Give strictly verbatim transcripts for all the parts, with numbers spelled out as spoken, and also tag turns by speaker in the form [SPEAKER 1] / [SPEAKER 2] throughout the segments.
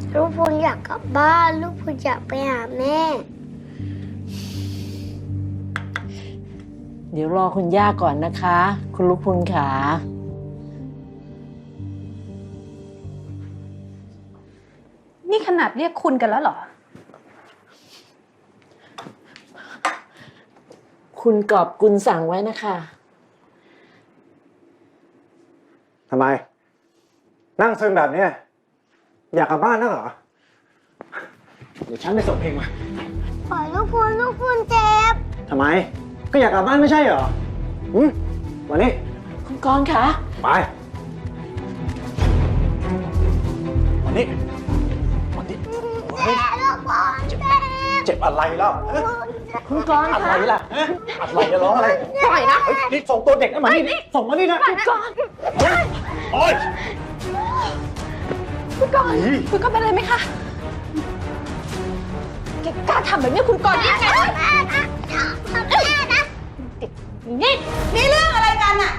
[SPEAKER 1] ลูกพูนอยากกลับบ้านลูกพูนอยากไปหาแม่
[SPEAKER 2] เดี๋ยวรอคุณย่าก่อนนะคะ คุณลูกพุนขา
[SPEAKER 3] นี่ขนาดเรียกคุณกันแล้วเหรอ
[SPEAKER 2] คุณกอบกุลสั่งไว้นะคะ
[SPEAKER 4] ทำไม นั่งซึมแบบนี้อยากกลับบ้านนักเหรอ เดี๋ยวฉันไปส่งเพลงมา
[SPEAKER 1] ปล่อยลูกพูนลูกพูนเจ็บ
[SPEAKER 4] ทำไม ก็อยากกลับบ้านไม่ใช่เหรอหืมวันนี้
[SPEAKER 2] คุณกรณ์คะ
[SPEAKER 4] ไปวันนี้วันนี้วันนี้
[SPEAKER 1] ลูกพูนเจ็บ
[SPEAKER 4] เจ็บอะไรแล้วฮะ
[SPEAKER 2] คุณกรณ์
[SPEAKER 4] อะไร
[SPEAKER 2] คะ
[SPEAKER 4] ล่ะฮะอะไรจะร้องอะไร
[SPEAKER 3] ปล่อยนะ
[SPEAKER 4] เฮ้ยนี่ส่งตัวเด็กนั่นมานี่นี่ส่งมานี่นะ
[SPEAKER 2] คุณกรณ์
[SPEAKER 4] โอ๊ย
[SPEAKER 3] คุณกรณ์คุณกรณ์เป็นอะไรไหมคะแกกล้าทำแบบนี้คุณกรณ์ได้ไงนี่นี่เรื่องอะไรกันอะ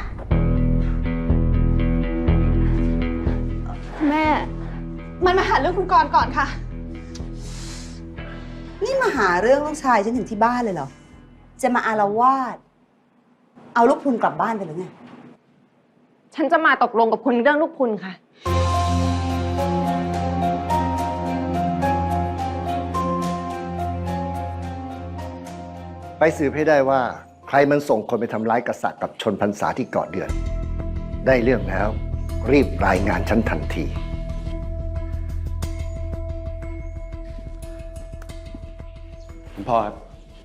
[SPEAKER 3] แม่ มันมาหาเรื่องคุณกรณ์ก่อนค่ะ
[SPEAKER 5] นี่มาหาเรื่องลูกชายฉันถึงที่บ้านเลยเหรอ จะมาอาละวาด เอาลูกพุนกลับบ้านไปหรือไง
[SPEAKER 3] ฉันจะมาตกลงกับคุณเรื่องลูกคุณค่ะ
[SPEAKER 6] ไปสืบให้ได้ว่าใครมันส่งคนไปทำร้ายกษัตริย์กับชนพรรษาที่เกาะเดือน ได้เรื่องแล้ว รีบรายงานฉันทันที
[SPEAKER 4] คุณพ่อครับ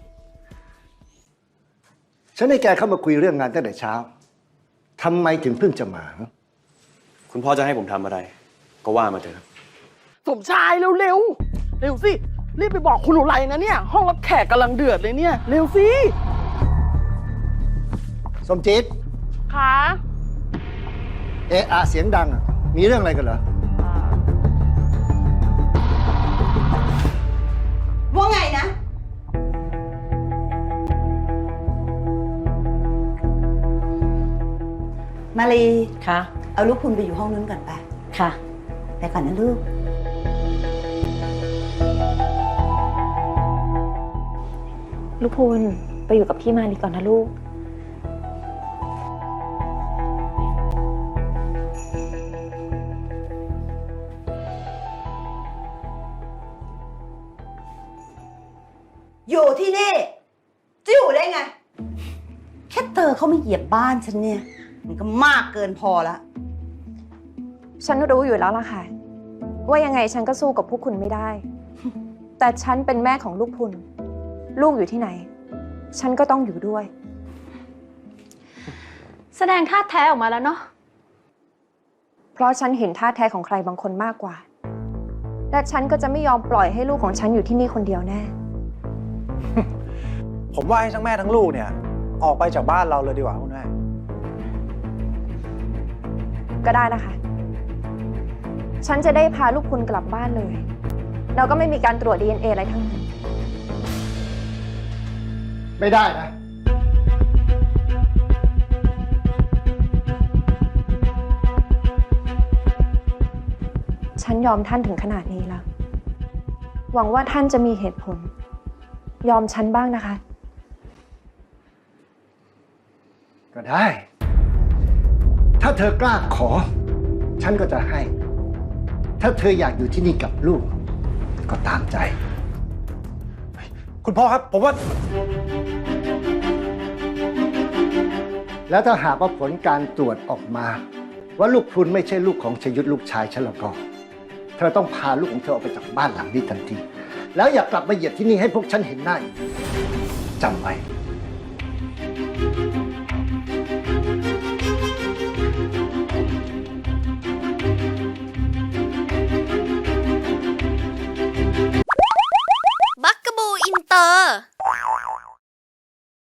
[SPEAKER 6] ฉันให้แกเข้ามาคุยเรื่องงานตั้งแต่เช้าทำไมถึงเพิ่งจะมา
[SPEAKER 7] คุณพ่อจะให้ผมทำอะไร ก็ว่ามาเถอะครับ
[SPEAKER 8] สมชายเร็วเร็วเร็วสิ รีบไปบอกคุณอุไรนะเนี่ย ห้องรับแขกกำลังเดือดเลยเนี่ย เร็วสิ
[SPEAKER 6] สมจิต
[SPEAKER 8] ขา
[SPEAKER 6] เอะอะเสียงดังอะมีเรื่องอะไรกันเหรอ
[SPEAKER 5] ว่าไงนะ มาลี
[SPEAKER 2] ค่ะ
[SPEAKER 5] เอาลูกพุนไปอยู่ห้องนู้นก่อนไป
[SPEAKER 2] ค่ะ
[SPEAKER 5] ไปก่อนนะลูก
[SPEAKER 3] ลูกพูนไปอยู่กับพี่มาลีก่อนนะลูก
[SPEAKER 5] อยู่ที่นี่จะอยู่ได้ไง แค่เตอเขาไม่เหยียบบ้านฉันเนี่ย มันก็มากเกินพอแล้ว
[SPEAKER 3] ฉันรู้อยู่แล้วล่ะค่ะ ว่ายังไงฉันก็สู้กับพวกคุณไม่ได้ แต่ฉันเป็นแม่ของลูกพุนลูกอยู่ที่ไหน ฉันก็ต้องอยู่ด้วย
[SPEAKER 9] แสดงท่าแท้ออกมาแล้วเนาะ
[SPEAKER 3] เพราะฉันเห็นท่าแท้ของใครบางคนมากกว่า และฉันก็จะไม่ยอมปล่อยให้ลูกของฉันอยู่ที่นี่คนเดียวแน่
[SPEAKER 4] ผมว่าให้ทั้งแม่ทั้งลูกเนี่ย ออกไปจากบ้านเราเลยดีกว่าคุณแม่
[SPEAKER 3] ก็ได้นะคะ ฉันจะได้พาลูกคุณกลับบ้านเลย เราก็ไม่มีการตรวจ ดี เอ็น เอ อะไรทั้งนั้น
[SPEAKER 6] ไม่ได้นะ
[SPEAKER 3] ฉันยอมท่านถึงขนาดนี้แล้ว หวังว่าท่านจะมีเหตุผล ยอมฉันบ้างนะคะ
[SPEAKER 6] ก็ได้ ถ้าเธอกล้าขอ ฉันก็จะให้ ถ้าเธออยากอยู่ที่นี่กับลูก ก็ตามใจ
[SPEAKER 4] คุณพ่อครับ ผมว่า
[SPEAKER 6] แล้วถ้าหากว่าผลการตรวจออกมา ว่าลูกพรุนไม่ใช่ลูกของชยุทธลูกชายฉันแล้วก็ เธอต้องพาลูกของเธอออกไปจากบ้านหลังนี้ทันที แล้วอย่ากลับมาเหยียดที่นี่ให้พวกฉันเห็นหน้าอีกจำไว้